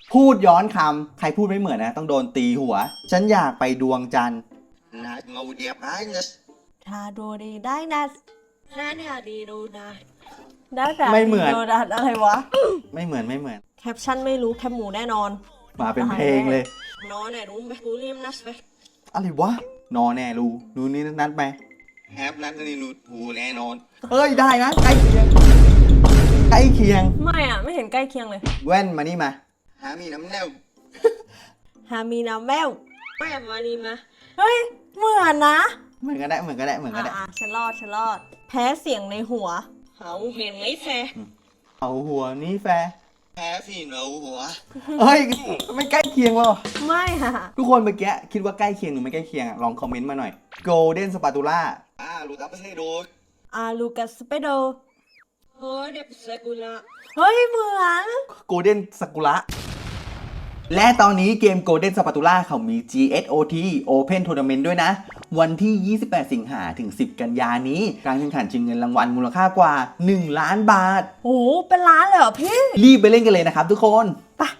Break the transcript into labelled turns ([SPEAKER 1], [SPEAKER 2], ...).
[SPEAKER 1] พูดย้อนคำใครพูดไม่เหมือนนะต้องโดนตีหัว ฉันอยากไปดวงจันทร์
[SPEAKER 2] Nạt ngầu đẹp ái nè.
[SPEAKER 3] ทาโดดีได้นะ
[SPEAKER 2] Nạt nhà đi đâu nè.
[SPEAKER 3] ได้แต่
[SPEAKER 1] ไม่เหมือน
[SPEAKER 3] โดดัดอะไรวะ
[SPEAKER 1] ไม่เหมือนไม่เหมือน
[SPEAKER 3] แคปชั่นไม่รู้แคปหมูแน่นอน
[SPEAKER 1] มาเป็นเพลงเลย
[SPEAKER 2] Nó này đúng bé cú liêm nát bé.
[SPEAKER 1] อะไรวะ นอแน่รู้รู้นี่นัดไป
[SPEAKER 2] Hẹp nát đi nụt hù nè non.
[SPEAKER 1] เฮ้ยได้นะใกล้เคียงใกล้เคียง
[SPEAKER 3] ไม่อ่ะ ไม่เห็นใกล้เคียงเลย
[SPEAKER 1] แว่นมานี่มา
[SPEAKER 2] Há mi nắm neo.
[SPEAKER 3] ฮามีนาแวว
[SPEAKER 2] Mẹ mà đi mà.
[SPEAKER 3] เฮ้ย เหมือนนะ
[SPEAKER 1] เหมือนกันได้เหมือนกันได้เหมือนกันได้
[SPEAKER 3] ฉันรอด แพ้เสียงในหัว
[SPEAKER 2] Hậu huyền mấy phe.
[SPEAKER 1] เอาหัวนี่แฟร์
[SPEAKER 2] Há phi nấu hùa.
[SPEAKER 1] เฮ้ยไม่ใกล้เคียงวะ
[SPEAKER 3] ไม่ค่ะ
[SPEAKER 1] ทุกคนเมื่อกี้คิดว่าใกล้เคียงหรือไม่ใกล้เคียงอะลองคอมเมนต์มาหน่อย Golden Spatula
[SPEAKER 2] À lụt áp xe đôi.
[SPEAKER 3] อาลูกัสสเปโด
[SPEAKER 2] Ôi đẹp xe cú lạ.
[SPEAKER 3] เฮ้ย เหมือน
[SPEAKER 1] Golden Sakura และตอนนี้เกม Golden Spatula เขามี GSOT Open Tournament ด้วยนะ วันที่ 28 สิงหาถึง 10 กันยานี้ การแข่งขันชิงเงินรางวัลมูลค่ากว่า 1 ล้านบาท
[SPEAKER 3] โอ้โหเป็นล้านเลยเหรอพี่
[SPEAKER 1] รีบไปเล่นกันเลยนะครับทุกคน